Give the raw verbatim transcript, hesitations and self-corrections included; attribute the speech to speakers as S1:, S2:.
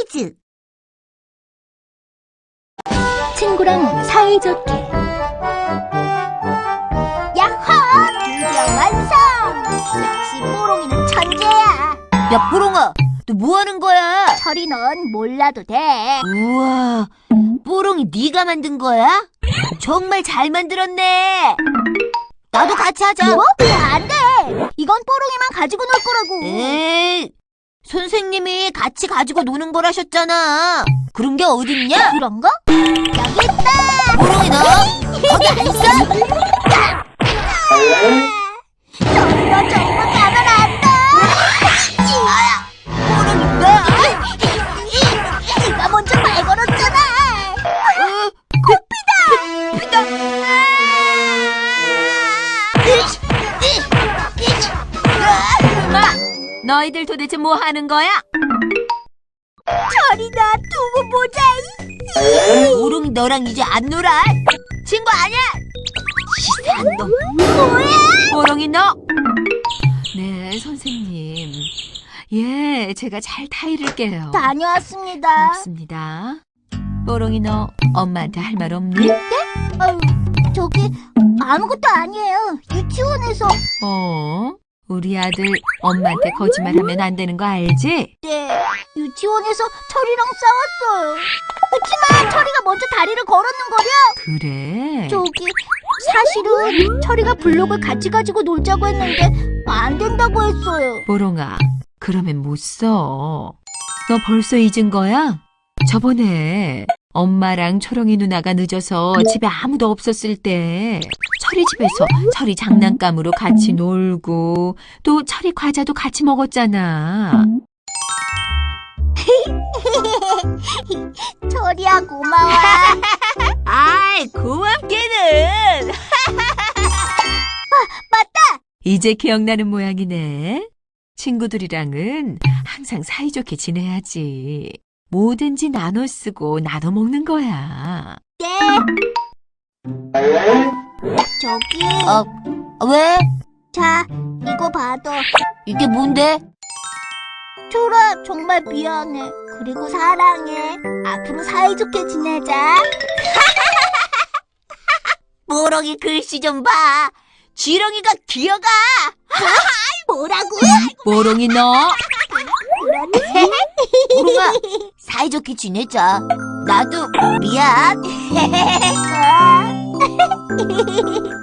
S1: 퀴즈! 친구랑 사이좋게. 야호! 드디어 완성! 역시 뽀롱이는 천재야.
S2: 야, 뽀롱아, 너 뭐 하는 거야?
S1: 철이 넌 몰라도 돼.
S2: 우와, 뽀롱이 네가 만든 거야? 정말 잘 만들었네. 나도 같이 하자.
S1: 뭐? 안 돼! 이건 뽀롱이만 가지고 놀 거라고.
S2: 에이, 선생님이 같이 가지고 노는 거라셨잖아. 그런 게 어딨냐?
S1: 그런 거? 여기 있다!
S2: 뽀롱이 너 거기 안 있어?
S1: 철이 너 정말 가면 안 돼!
S2: 뽀롱이 너?
S1: 네가 먼저 말 걸었잖아!
S2: 어,
S1: 코피다! 피다!
S2: 너희들 도대체 뭐 하는 거야?
S1: 철이 나 두고 보자!
S2: 뽀롱이 너랑 이제 안 놀아. 친구 아니야. 시세한 놈.
S1: 뭐야?
S2: 뽀롱이 너. 네, 선생님. 예, 제가 잘 타이를게요.
S1: 다녀왔습니다.
S2: 고맙습니다. 뽀롱이 너 엄마한테 할 말 없니?
S1: 아유, 저기 아무것도 아니에요. 유치원에서.
S2: 어? 우리 아들 엄마한테 거짓말하면 안 되는 거 알지?
S1: 네, 유치원에서 철이랑 싸웠어요. 그치만 철이가 먼저 다리를 걸었는거려.
S2: 그래?
S1: 저기 사실은 철이가 블록을 같이 가지고 놀자고 했는데 안 된다고 했어요.
S2: 뽀롱아, 그러면 못 써. 너 벌써 잊은 거야? 저번에 엄마랑 초롱이 누나가 늦어서 집에 아무도 없었을 때 철이 집에서 철이 장난감으로 같이 놀고 또 철이 과자도 같이 먹었잖아.
S1: 철이야 고마워.
S2: 아이, 고맙게는.
S1: 맞다.
S2: 이제 기억나는 모양이네. 친구들이랑은 항상 사이좋게 지내야지. 뭐든지 나눠 쓰고 나눠 먹는 거야.
S1: 네. 저기
S2: 어, 왜?
S1: 자 이거 받아.
S2: 이게 뭔데?
S1: 철아 정말 미안해. 그리고 사랑해. 앞으로 사이좋게 지내자.
S2: 뽀롱이 글씨 좀 봐. 지렁이가 기어가.
S1: 뭐라고?
S2: 뽀롱이 너.
S1: 그렇지?
S2: 뽀롱아, 사이좋게 지내자. 나도 미안.
S1: 아.